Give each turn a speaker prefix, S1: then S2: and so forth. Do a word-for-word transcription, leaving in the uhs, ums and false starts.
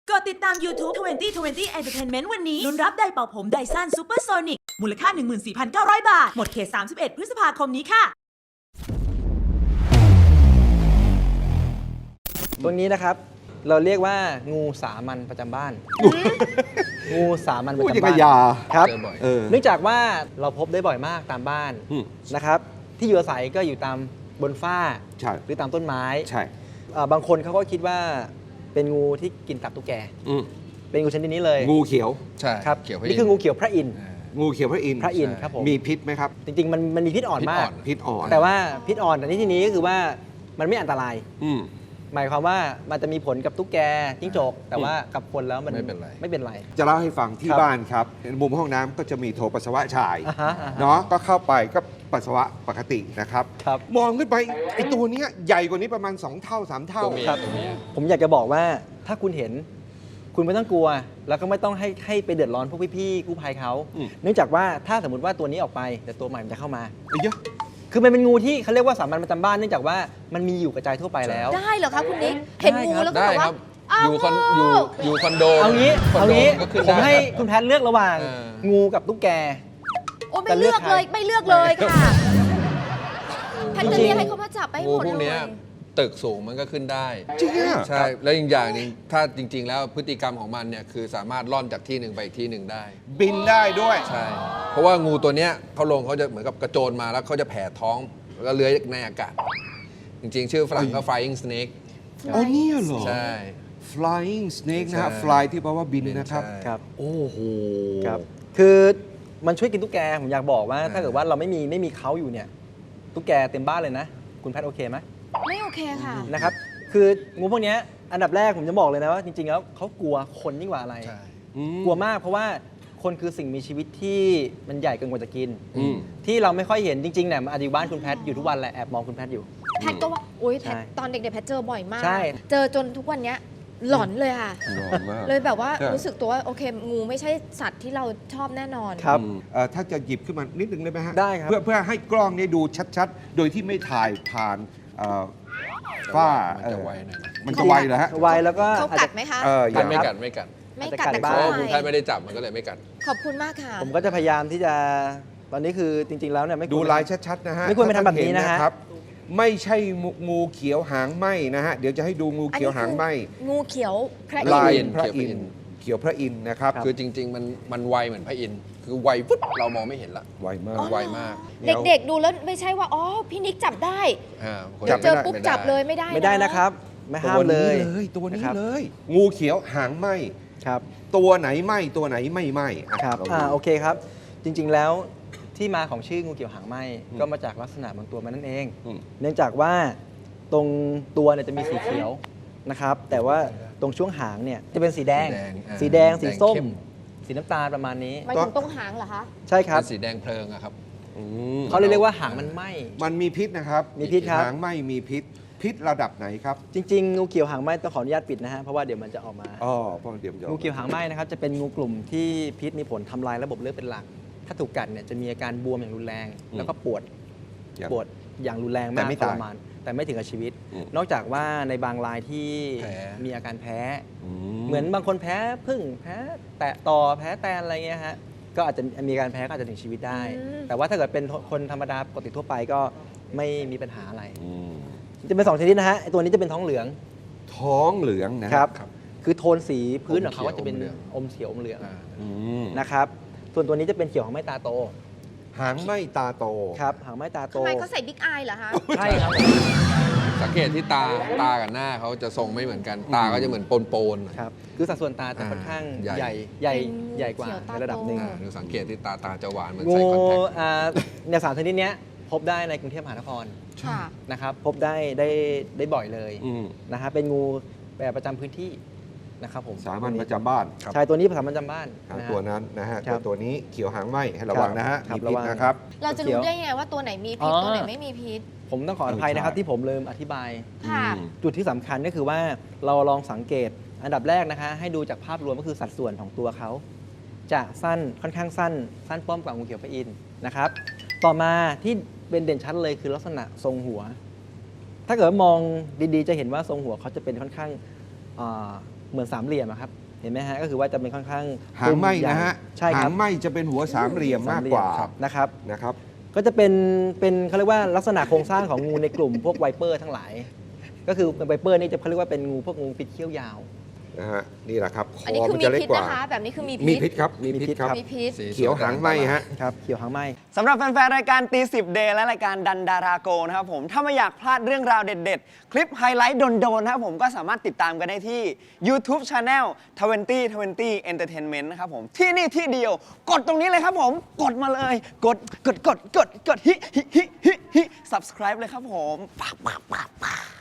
S1: กดติดตาม YouTube ยี่สิบ ยี่สิบ Entertainment วันนี้ลุ้นรับไดร์เป่าผมไดซันซูเปอร์โซนิกมูลค่า หนึ่งหมื่นสี่พันเก้าร้อย บาท หมดเขต สามสิบเอ็ด พฤษภาคมนี้ค่ะ
S2: ตัวนี้นะครับเราเรียกว่างูสามัญประจำบ้าน งูสามัญประ
S3: พูด
S2: จำ
S3: ยัง
S2: บ้า
S3: ไง
S2: น
S3: ยา
S2: ครับ
S4: เจอบ่อย
S3: เออ
S2: เนื่องจากว่าเราพบได้บ่อยมากตามบ้าน
S3: อืม
S2: นะครับที่อยู่อาศัยก็อยู่ตามบนฝ้า
S3: ใช่
S2: หรือตามต้นไม้
S3: ใช่
S2: เอ่อบางคนเขาก็คิดว่าเป็นงูที่กินตับตุ๊กแก
S3: อืม
S2: เป็นงูชนิดนี้เลย
S3: งูเขียว
S4: ใช่
S2: ครับ
S4: เขียวพระ
S2: นี่คืองูเขียวพระอินทร์
S4: อ่า
S3: งูเขียวพระอินทร์
S2: พระอินทร์ครับผม
S3: มีพิษไหมครับ
S2: จริงๆมันมันมีพิษอ่อน
S4: พิษ
S2: มา
S4: อ่
S2: ก
S4: อน
S3: พิษอ่อน
S2: แต่ว่าพิษอ่อนแต่ในที่นี้ก็คือว่ามันไม่อันตราย
S3: อืม
S2: หมายความว่ามันจะมีผลกับตุ๊กแกจิ้งจกแต่ว่ากับคนแล้วมัน
S4: ไม่เป็นไร
S2: ไม่เป็นไร
S3: จะเล่าให้ฟังที่
S2: ครับ
S3: บ้านครับมุมห้องน้ำก็จะมีโถปัสสาวะชาย
S2: อ่าฮะอ่าฮะ
S3: เนาะก็เข้าไปก็ปัสสาวะปกตินะครับ
S2: ครับ
S3: มองขึ้นไปไอ้ตัวเนี้ยใหญ่กว่านี้ประมาณ สอง เท่า สาม เท่า
S4: ตัวเมีย
S2: ครับ
S4: ตัวเมีย
S2: ผมอยากจะบอกว่าถ้าคุณเห็น คุณไม่ต้องกลัว แล้วก็ไม่ต้องให้ให้ไปเดือดร้อนพวกพี่ๆกู้ภัยเขา
S3: อืม
S2: เนื่องจากว่าถ้าสมมติว่าตัวนี้ออกไปเดี๋ยวตัวใหม่มันจะเข้ามา
S3: ไอ้เหี้ยอะ
S2: คือมันเป็นงูที่เขาเรียกว่าสามัญประจำบ้านเนื่องจากว่ามันมีอยู่กระจายทั่วไปแล้ว
S5: ได้เหรอคะคุณนิก เห็นงูแล้วก็
S4: ได้
S5: แบบ
S4: ค
S5: ว่า
S4: รับ
S5: อ้าว
S4: อยู่คอนอยู่อยู่คอนโด
S2: เอางี้
S4: คอน
S2: เอา
S4: โด
S2: งี้
S4: ก็ขึ้น
S2: ผม
S4: ได้
S2: ให้คุณแพทย์เลือกระหว่าง
S4: เออ
S2: งูกับตุ๊กแก
S5: โอ้ไม่
S2: จะเลื
S5: เลื
S2: อก
S5: อกเลย
S2: ใคร
S5: ไม่เลือกเลยค่ะแพทย์จะ
S2: จริงๆ
S5: เรียกให้เขามาจับไปให้
S4: งู
S5: หมด
S4: พวก
S5: เล
S4: เนี้
S5: ย
S4: ยตึกสูงมันก็ขึ้นได้
S3: จริงอะ
S4: ใช่ แล้วอีกอย่างหนึงถ้าจริง ๆ แล้วพฤติกรรมของมันเนี่ยคือสามารถล่อนจากที่หนึ่งไปอีกที่หนึ่งได้
S3: บินได้ด้วย
S4: ใช่ เพราะว่างูตัวเนี้ยเขาลงเขาจะเหมือนกับกระโจนมาแล้วเขาจะแผ่ท้องแล้วก็เลื้อยในอากาศ จริง ๆ ชื่อฝรั่งก็ flying snake
S3: อ๋อเนี่ยเหรอ
S4: ใช่
S3: flying snake นะฮะ
S4: ใช่
S3: fly ที่แปลว่าบินนะครับ
S4: ใช่
S2: ครับ
S3: โอ้โห
S2: ครับ คือมันช่วยกินตุ๊กแก ผมอยากบอกว่า
S4: อ่า
S2: ถ้าเกิดว่าเราไม่มีไม่มีเขาอยู่เนี่ย ตุ๊กแกเต็มบ้านเลยนะ คุณแพทย์โอเคไหม
S5: ไม่โอเคค่ะ
S2: นะครับ คืองูพวกเนี้ยอันดับแรกผมจะบอกเลยนะว่าจริงๆแล้วเขากลัวคนยิ่งกว่าอะไร
S4: ใช่
S3: อืม
S2: กลัวมากเพราะว่าคนคือสิ่งมีชีวิตที่มันใหญ่เกินกว่าจะกิน
S3: อืม
S2: ที่เราไม่ค่อยเห็นจริงๆเนี่ยมันอาจจะอยู่บ้านคุณแพทย์อยู่ทุกวันแหละแอบมองคุณแพทย์อยู่
S5: แพทย์ก็ว่าโอ๊ยแพทย์
S2: ใช่
S5: ตอนเด็กๆแพทย์เจอบ่อยมาก
S2: ใช่
S5: เจอจนทุกวันเนี้ยหลอนเลยค่ะ
S3: ร้อนมาก
S5: เลยแบบว่า
S3: ใช่
S5: รู้สึกตัวว่าโอเค งูไม่ใช่สัตว์ที่เราชอบแน่นอน
S2: ครับ
S3: อืมเอ่อถ้าจะหยิบขึ้นมานิดนึงได้ไหมฮะ
S2: ได้ครับ
S3: เพื่อเพื่อให้กล้องนี้ดูชัดๆ โดยที่ไม่ถ่ายผ่านเอ่อฝ้า
S4: มันจะไวหน่อยนะ
S3: มันจะไวเหรอฮะ
S2: ไวแล้วก็
S5: เขา
S2: อาจ
S5: กั
S2: จะ
S5: ดไหมคะ
S3: เอออ
S4: กั
S3: ย่า
S4: ดไม่กัดไม่กัด
S5: ไม่
S2: อาจจะ
S5: กัด
S2: กัด
S5: แต่
S2: บ้า
S5: เขา
S2: ง
S4: เพราะ
S5: ไป
S4: คุณแพทย์ไม่ได้จับมันก็เลยไม่กัด
S5: ขอบคุณมากค่ะ
S2: ผมก็จะพยายามที่จะตอนนี้คือจริง ๆ แล้วเนี่ยไม่ควร
S3: ดูลายชัดๆนะฮะ
S2: ไม่ควรไปทำแบบนี้นะฮะ
S3: ถ้าท่าเห็ครับ ไม่ใช่งูเขียวหางไหมนะฮะ เดี๋ยวจะให้ดูงูเขียวหางไหม
S5: งูเขียวพระ
S3: ลาย
S5: อินทร์
S3: พระอินทร์เขียวพระอินทร์นะครับ
S4: คือจริง ๆ มันมันไวเหมือนพระอินทร์คือไวปุ๊บเรามองไม่เห็นละ
S3: ไวมาก
S4: ไวมาก
S5: เด็กๆดูแล้วไม่ใช่ว่าอ๋อพี่นิกจับได้
S4: อ่าคน
S5: เดี๋ยวเจอ
S4: ไม่ได้
S5: ปุ๊บ
S4: ไม่ได้
S5: จับเลยไม่ได้
S2: ไม่ได้นะครับ ไม่ห้ามเลย
S3: ตัวนี้เลยตัวนี้
S2: นะครับ
S3: เลย งูเขียวหางไหม
S2: ครับ
S3: ตัวไหนไหมตัวไหนไม่ไหมอ่ะ
S2: ครับ
S3: ลงดู
S2: อ่าโอเคครับ จริง ๆ แล้วที่มาของชื่องูเขียวหางไหม
S3: อืม
S2: ก็มาจากลักษณะบางตัวมันนั่นเอง
S3: อืม
S2: เนื่องจากว่าตรงตัวเนี่ยจะมีสีเขียวนะครับ แต่ว่าตรงช่วงหางเนี่ยจะเป็นสีแดง
S4: สีแดงอ่า
S2: สีแดง สีส้ม
S4: แดงเข้ม
S2: สีน้ำตาลประมาณนี้
S5: หมายถึงตรงหางเหรอคะ
S2: ใช่ครับ
S4: เป็นสีแดงเพลิงอะครับ
S3: อืม
S2: เขาเลยเรียกว่าหางมันไหม
S3: มันมีพิษนะครับ
S2: มีพิษครับ
S3: หางไหมมีพิษ พิษระดับไหนครับ
S2: จริง ๆ งูเขียวหางไหมต้องขออนุญาตปิดนะฮะ เพราะว่าเดี๋ยวมันจะออกมา
S3: อ๋อเพราะเดี๋ยวมันจะ
S2: งูเขียวหางไหมนะครับจะเป็นงูกลุ่มที่พิษมีผลทำลายระบบเลือดเป็นหลัก ถ้าถูกกัดเนี่ยจะมีอาการบวมอย่างรุนแรง แล้วก็ปวด
S3: อย่าง
S2: ปวดอย่างรุนแรง
S3: แต่
S2: มาก
S3: ไม่
S2: ท
S3: ตาย
S2: รมานแต่ไม่ถึงกับชีวิต
S3: อืม
S2: นอกจากว่าในบางรายที่
S4: แพ้
S2: มีอาการแพ้
S3: อื
S2: เหมือนบางคนแพ้พึ่งแพ้แตะต่อแพ้แตนอะไรเงี้ยฮะก็อาจจะมีอาการแพ้ก็อาจจะถึงชีวิตได้
S5: อืม
S2: แต่ว่าถ้าเกิดเป็นคนธรรมดาปกติทั่วไปก็ไม่มีปัญหาอะไร
S3: อืม
S2: จะเป็นสองชนิดนะฮะไอ้ตัวนี้จะเป็นท้องเหลือง
S3: ท้องเหลืองนะ
S2: ครับ
S4: ครับ
S2: คือโทนสีพื้นของเขา
S4: อม
S2: ก็จะเป็น
S4: เขียว
S2: อมเขียวอมเหลือง
S4: อ่า
S3: อืม
S2: นะครับส่วนตัวนี้จะเป็นเขียวของไม้ตาโต
S3: หางไหมตาโต
S2: ครับหางไม้ตาโต
S5: ทำไมเขาใส่บิ๊กอายเหรอคะ
S2: ใช่ครับ
S4: สังเกตที่ตาตากับหน้าเขาจะทรงไม่เหมือนกัน ตาก็จะเหมือนปนๆหน่อย
S2: ครับคือสัดส่วนตาจะ
S4: อ่า
S2: ค่อนข้าง
S4: ใหญ่
S2: ใหญ่ใหญ่
S5: เป็นงู
S2: ใหญ่กว่า
S5: เขียวตา
S2: ในระดับ
S5: โต
S2: หนึ่ง
S4: อ่าดูสังเกตที่ตาตาจะหวานเหมือน
S2: งู
S4: ใส่คอนแทค
S2: อ่าเนี่ยสามชนิดเนี้ยพบได้ในกรุงเทพมหานคร
S5: ค่ะ
S2: นะครับพบได้ได้ได้บ่อยเลย
S3: อืม
S2: นะฮะเป็นงูแบบประจำพื้นที่นะครับผม
S3: สามัญประจำบ้าน
S2: ใช่ตัวนี้สามัญประจำบ้าน
S3: หาง
S2: นะฮะ
S3: ตัวนั้นนะฮะ
S2: ครั
S3: ตัว
S2: บ
S3: ตัวนี้เขียวหางไหมให้ระวังนะฮะ
S2: ครับ
S3: มีพิษ
S2: ระวัง
S3: นะครับ
S5: เราจะรู้ได้ยังไงว่าตัวไหนมีพิษ
S2: อ๋อ
S5: ตัวไหนไม่มีพิษ
S2: ผมต้องขออภัยนะครับ
S3: ใช่
S2: ที่ผมลืมอธิบาย
S5: ค่ะ
S3: อืม
S2: จุดที่สำคัญก็คือว่าเราลองสังเกตอันดับแรกนะคะ ให้ดูจากภาพรวมก็คือสัดส่วนของตัวเขา จะสั้นค่อนข้างสั้น สั้นป้อมกว่างูเขียวพระอินทร์นะครับ ต่อมาที่เป็นเด่นชัดเลยคือลักษณะทรงหัว ถ้าเกิดว่ามองดีๆ จะเห็นว่าทรงหัวเขาจะเป็นค่อนข้างอ่าเหมือนสามเหลี่ยมอะครับเห็นไหมฮะก็คือว่าจะเป็นค่อนข้าง
S3: หางไหม
S2: ใญ่
S3: นะฮะ
S2: ใช่ค
S3: หา
S2: รับ
S3: งไหมจะเป็นหัวสามเหลี่ยมมากกว่า
S2: สเหลี่ยนะครับ
S3: นะครับ
S2: ก็จะเป็นเป็นเขาเรียกว่าลักษณะโครงสร้างของงูในกลุ่มพวกไวเปอร์ทั้งหลาย ก็คือไวเปอร์นี่จะเขาเรียกว่าเป็นงูพวกงูพิษเขี้ยวยาว
S3: นะฮะนี่แหละครับค
S5: อันนี้
S3: อ
S5: คื
S3: มั
S5: อน มี
S3: จะเล็ก
S5: พิษ
S3: กว่า
S5: นะคะ แบบนี้คือมี
S3: มี
S5: พิษ
S3: พิษครับมีพิษครับ
S5: มีพิษ
S4: สี
S3: เขียวหางไหมฮะ
S2: ครับเขียวหางไหม
S6: สำหรับแฟนๆ รายการตีสิบเดย์และรายการดันดาราโกนะครับผมถ้าไม่อยากพลาดเรื่องราวเด็ดๆ คลิปไฮไลท์โดนๆ นะครับผมก็สามารถติดตามกันได้ที่ YouTube Channel ทเวนตี้ ทเวนตี้ Entertainment นะครับผมที่นี่ที่เดียว กดตรงนี้เลยครับผม กดมาเลย กดกดกดกดกดฮิฮิฮิฮิฮิ subscribe เลยครับผมปั๊บปั๊บปั๊บปั๊บ